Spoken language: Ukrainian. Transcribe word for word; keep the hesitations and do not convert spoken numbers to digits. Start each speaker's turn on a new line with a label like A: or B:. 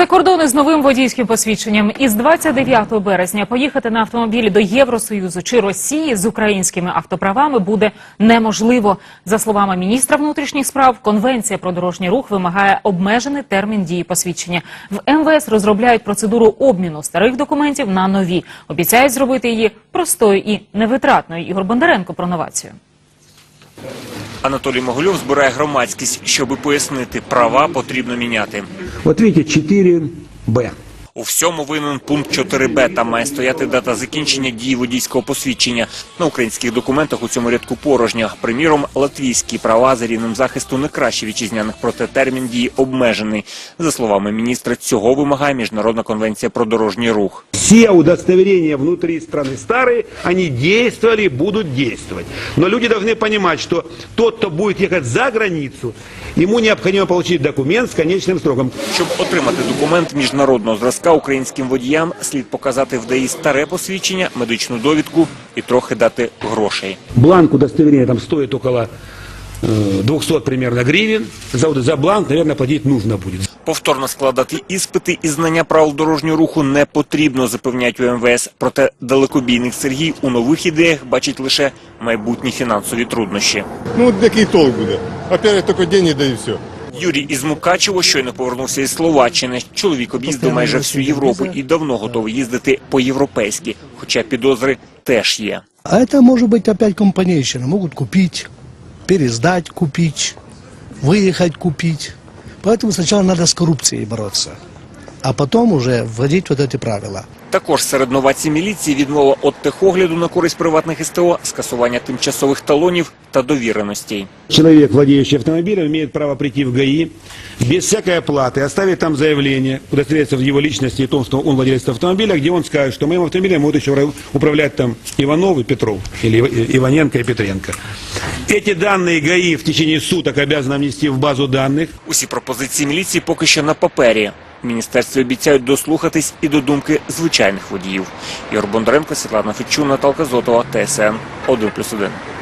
A: За кордони з новим водійським посвідченням із двадцять дев'ятого березня поїхати на автомобілі до Євросоюзу чи Росії з українськими автоправами буде неможливо. За словами міністра внутрішніх справ, Конвенція про дорожній рух вимагає обмежений термін дії посвідчення. В ем ве ес розробляють процедуру обміну старих документів на нові. Обіцяють зробити її простою і невитратною. Ігор Бондаренко про новацію.
B: Анатолій Могильов збирає громадськість, щоби пояснити, права потрібно міняти.
C: От бачите, чотири Б.
B: У всьому винен пункт чотири Б. Там має стояти дата закінчення дії водійського посвідчення. На українських документах у цьому рядку порожньо. Приміром, латвійські права за рівнем захисту не краще вітчизняних, проте термін дії обмежений. За словами міністра, цього вимагає Міжнародна конвенція про дорожній рух.
C: Все удостоверения внутри страны старые, они действовали, будут действовать. Но люди должны понимать, что тот, кто будет ехать за границу, ему необходимо получить документ с конечным сроком.
B: Щоб отримати документ міжнародного зразка, українським водіям слід показати в ДАІ старе посвідчення, медичну довідку і трохи дати грошей.
C: Бланк удостоверения там стоит около э, двухсот примерно гривен. За, за бланк, наверное, платить нужно будет.
B: Повторно складати іспити і знання правил дорожнього руху не потрібно, запевняють у ем ве ес. Проте далекобійник Сергій у нових ідеях бачить лише майбутні фінансові труднощі.
D: Ну, от який толк буде? Опять тільки гроші, да і все.
B: Юрій із Мукачево щойно повернувся із Словаччини. Чоловік об'їздив майже всю Європу і давно готовий їздити по-європейськи, хоча підозри теж є.
E: А это может быть опять компанейщина. Могут купить, пересдать купить, выехать купить. Поэтому сначала надо с коррупцией бороться, а потом уже вводить вот эти правила.
B: Також серед новацій міліції відмова від техогляду на користь приватних ес те о, скасування тимчасових талонів та довіреностей.
C: Человек, владеющий автомобилем, имеет право прийти в ГАИ без всякой оплаты, оставить там заявление, удостовериться в его личности и том, что он владелец автомобиля, где он скажет, что моим автомобилем будут еще управлять там Иванов и Петров, или Иваненко и Петренко. Эти данные ГАИ в течение суток обязаны внести в базу данных.
B: Усі пропозиції міліції поки що на папері. В міністерстві обіцяють дослухатись і до думки звичайних водіїв. Ігор Бондаренко, Світлана Федчун, Наталка Зотова, Т С Н один плюс один.